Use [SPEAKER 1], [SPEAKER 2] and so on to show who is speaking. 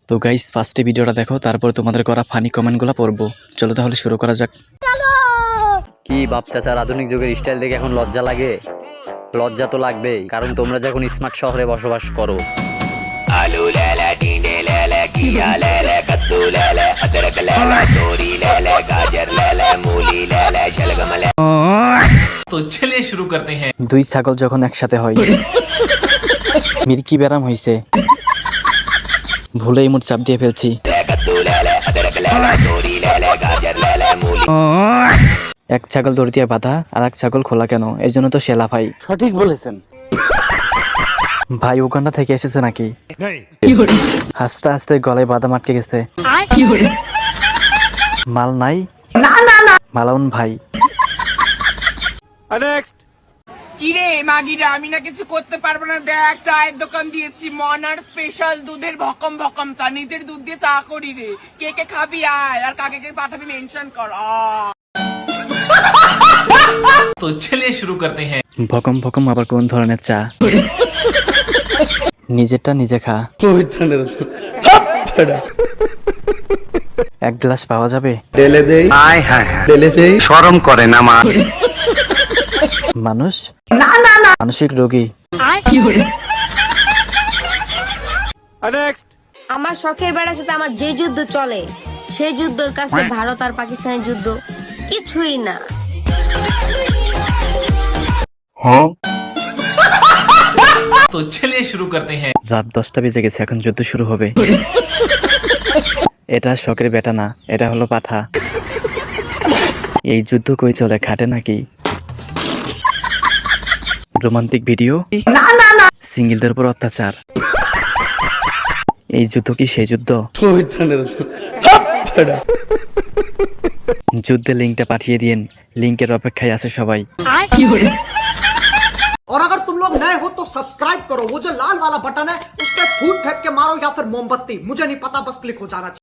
[SPEAKER 1] তো গাইস ফার্স্টে ভিডিওটা দেখো, তারপর তোমাদের করা ফানি কমেন্টগুলো পড়বো। চলো তাহলে শুরু করা যাক।
[SPEAKER 2] কি বাপ চাচার আধুনিক যুগের স্টাইল দেখে এখন লজ্জা লাগে? লজ্জা তো লাগবেই, কারণ তোমরা যখন স্মার্ট শহরে বসবাস করো।
[SPEAKER 3] आलू ले ले टींडे ले ले घिया ले ले कद्दू ले ले अदरक ले ले तोरी ले ले गाजर ले ले मूली ले ले शलगम ले।
[SPEAKER 4] तो चलिए शुरू करते हैं।
[SPEAKER 1] দুই ছাগল যখন একসাথে হয় মির্কি ব্যারাম হইছে, ভুলেই মুখ চাপ দিয়ে ফেলছি।
[SPEAKER 3] कद्दू ले ले अदरक ले ले तोरी ले ले गाजर ले ले मूली।
[SPEAKER 1] এক ছাগল দড়ি দিয়ে বাঁধা, আর এক ছাগল খোলা কেন? এই জন্য তো শেলা ভাই।
[SPEAKER 5] সঠিক বলেছেন
[SPEAKER 1] ভাই উগান্ডা থেকে এসেছে নাকি? হাসতে হাসতে গলায় বাদাম আটকে গেছে। মাল নাই? মালাউন ভাই।
[SPEAKER 6] কিরে মাগিরা, আমি না কিছু করতে পারবো না। দেখ, চায়ের দোকান দিয়েছি, মনার স্পেশাল দুধের ভকম ভকম চা, নিজের দুধ দিয়ে চা করি রে। কে কে খাবি আয়, আর কাকে কে পাঠাবি মেনশন কর।
[SPEAKER 4] तो चलिए शुरू करते हैं।
[SPEAKER 1] ভকম ভকম আবার কোন ধরনের চা? নিজেরটা নিজে খা। এক গ্লাস পাওয়া যাবে?
[SPEAKER 5] শরম করে না মা।
[SPEAKER 1] মানুষ মানসিক রোগী।
[SPEAKER 7] আমার শখের বেড়ার সাথে আমার যে যুদ্ধ চলে, সেই যুদ্ধের কাছে ভারত আর পাকিস্তানের যুদ্ধ কিছুই না।
[SPEAKER 4] तो चलिए शुरू करते हैं।
[SPEAKER 1] রাত 10টা বেজে গেছে, এখন যুদ্ধ শুরু হবে। এটা শখের বেটা না, এটা হলো পাঠা। এই যুদ্ধ কই চলে, খাটে নাকি? রোমান্টিক ভিডিও, সিঙ্গেলদের উপর অত্যাচার। এই যুদ্ধ কি সেই যুদ্ধ? যুদ্ধের লিঙ্কটা পাঠিয়ে দিন, লিঙ্কের অপেক্ষায় আছে সবাই।
[SPEAKER 8] और अगर तुम लोग नए हो तो सब्सक्राइब करो, वो जो लाल वाला बटन है उस पर फूट फेंक के मारो या फिर मोमबत्ती, मुझे नहीं पता, बस क्लिक हो जाना चाहिए।